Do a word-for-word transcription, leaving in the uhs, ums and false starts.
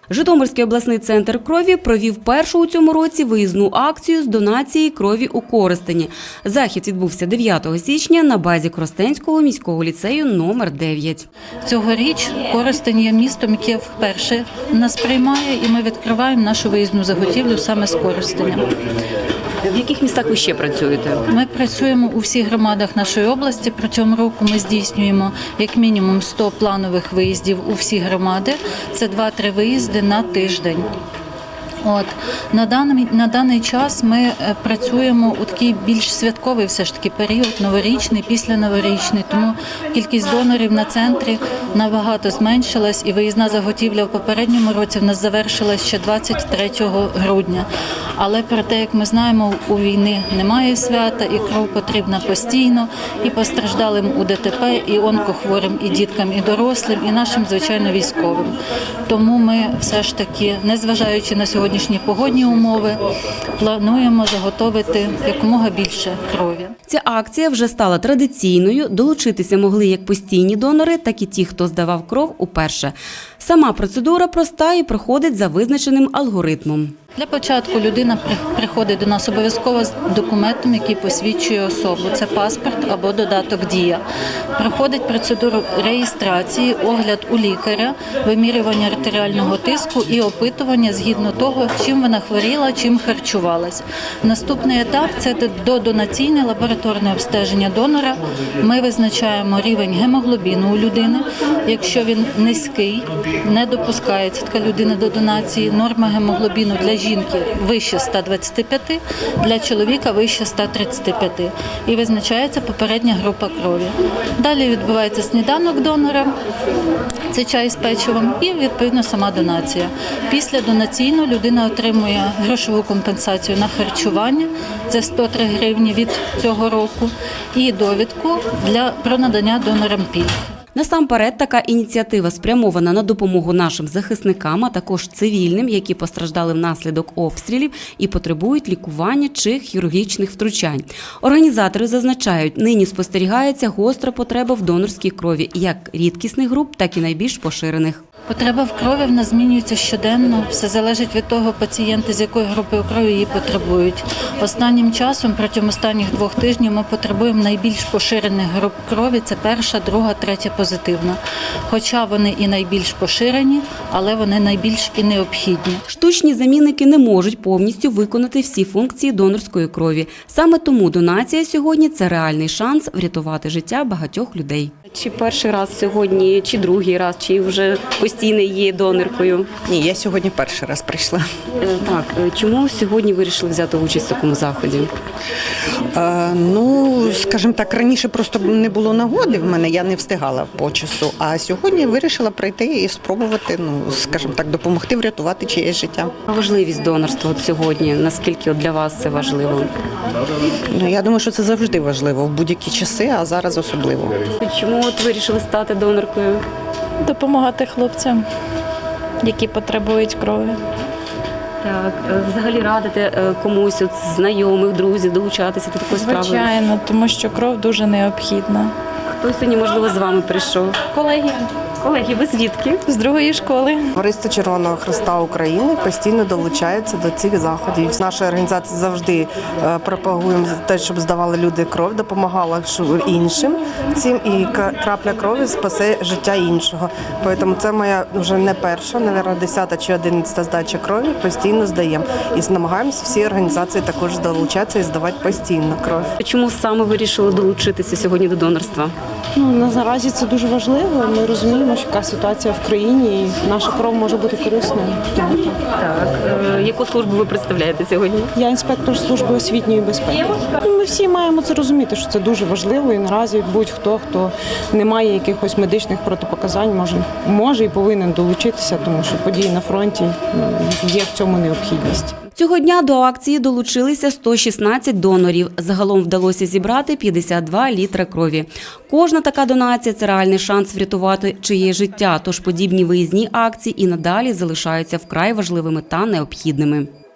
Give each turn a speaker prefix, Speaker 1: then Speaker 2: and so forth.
Speaker 1: Житомирський обласний центр крові провів першу у цьому році виїзну акцію з донації крові у Коростені. Захід відбувся дев'ятого січня на базі Коростенського міського ліцею номер дев'ять.
Speaker 2: Цьогоріч Коростень є містом, яке вперше нас приймає, і ми відкриваємо нашу виїзну заготівлю саме з Коростеня.
Speaker 1: В яких містах ви ще працюєте?
Speaker 2: Ми працюємо у всіх громадах нашої області. Протягом року ми здійснюємо як мінімум сто планових виїздів у всі громади. Це два-три виїзди на тиждень. От на даний на даний час ми працюємо у такий більш святковий все ж таки період, новорічний, післяноворічний. Тому кількість донорів на центрі набагато зменшилась, і виїзна заготівля в попередньому році в нас завершилась ще двадцять третього грудня. Але про те, як ми знаємо, у війни немає свята, і кров потрібна постійно, і постраждалим у ДТП, і онкохворим, і діткам, і дорослим, і нашим, звичайно, військовим. Тому ми все ж таки, незважаючи на сьогодні, Сьогоднішні погодні умови, плануємо заготовити якомога більше крові.
Speaker 1: Ця акція вже стала традиційною. Долучитися могли як постійні донори, так і ті, хто здавав кров уперше. Сама процедура проста і проходить за визначеним алгоритмом.
Speaker 2: Для початку людина приходить до нас обов'язково з документом, який посвідчує особу. Це паспорт або додаток «Дія». Проходить процедуру реєстрації, огляд у лікаря, вимірювання артеріального тиску і опитування згідно того, чим вона хворіла, чим харчувалась. Наступний етап – це додонаційне лабораторне обстеження донора. Ми визначаємо рівень гемоглобіну у людини. Якщо він низький, не допускається така людина до донації. Норма гемоглобіну для жінки вище ста двадцяти п'яти, для чоловіка вище ста тридцяти п'яти. І визначається попередня група крові. Далі відбувається сніданок донора, це чай з печивом і, відповідно, сама донація. Після донаційну людина отримує грошову компенсацію на харчування, це сто три гривні від цього року, і довідку для, про надання донорам пільг.
Speaker 1: Насамперед, така ініціатива спрямована на допомогу нашим захисникам, а також цивільним, які постраждали внаслідок обстрілів і потребують лікування чи хірургічних втручань. Організатори зазначають, нині спостерігається гостра потреба в донорській крові як рідкісних груп, так і найбільш поширених.
Speaker 2: Потреба в крові в нас змінюється щоденно. Все залежить від того пацієнта, з якої групи крові її потребують. Останнім часом, протягом останніх двох тижнів, ми потребуємо найбільш поширених груп крові. Це перша, друга, третя позитивна. Хоча вони і найбільш поширені, але вони найбільш і необхідні.
Speaker 1: Штучні замінники не можуть повністю виконати всі функції донорської крові. Саме тому донація сьогодні – це реальний шанс врятувати життя багатьох людей.
Speaker 3: Чи перший раз сьогодні, чи другий раз, чи вже постійно є доноркою?
Speaker 4: Ні, я сьогодні перший раз прийшла.
Speaker 3: Так, чому сьогодні вирішили взяти участь в такому заході?
Speaker 4: Е, ну, скажімо так, раніше просто не було нагоди в мене, я не встигала по часу. А сьогодні вирішила прийти і спробувати, ну, скажімо так, допомогти врятувати чиєсь життя.
Speaker 3: Важливість донорства от сьогодні, наскільки от для вас це важливо?
Speaker 4: Ну, я думаю, що це завжди важливо в будь-які часи, а зараз особливо.
Speaker 3: Чому от вирішили стати доноркою?
Speaker 5: Допомагати хлопцям, які потребують крові.
Speaker 3: Так, взагалі радите комусь от знайомих, друзів долучатися до такої справи?
Speaker 5: Звичайно, тому що кров дуже необхідна.
Speaker 3: Хто сьогодні, можливо, з вами прийшов?
Speaker 5: Колеги.
Speaker 3: Колеги, ви звідки?
Speaker 5: З другої школи.
Speaker 6: Товариство Червоного Хреста України постійно долучається до цих заходів. Наша організація завжди пропагує те, щоб здавали люди кров, допомагала іншим цим, і крапля крові спасе життя іншого. Тому це моя вже не перша, мабуть, десята чи одинадцята здача крові, постійно здаємо. І намагаємося всі організації також долучатися і здавати постійно кров.
Speaker 3: Чому саме вирішили долучитися сьогодні до донорства?
Speaker 7: Ну, наразі це дуже важливо. Ми розуміємо, що яка ситуація в країні, і наша кров може бути корисною.
Speaker 3: Так. Е, яку службу ви представляєте сьогодні?
Speaker 7: Я інспектор служби освітньої безпеки. Ми всі маємо це розуміти, що це дуже важливо, і наразі будь-хто, хто не має якихось медичних протипоказань, може, може і повинен долучитися, тому що події на фронті, є в цьому необхідність.
Speaker 1: Цього дня до акції долучилися сто шістнадцять донорів. Загалом вдалося зібрати п'ятдесят два літри крові. Кожна така донація – це реальний шанс врятувати чиє життя, тож подібні виїзні акції і надалі залишаються вкрай важливими та необхідними.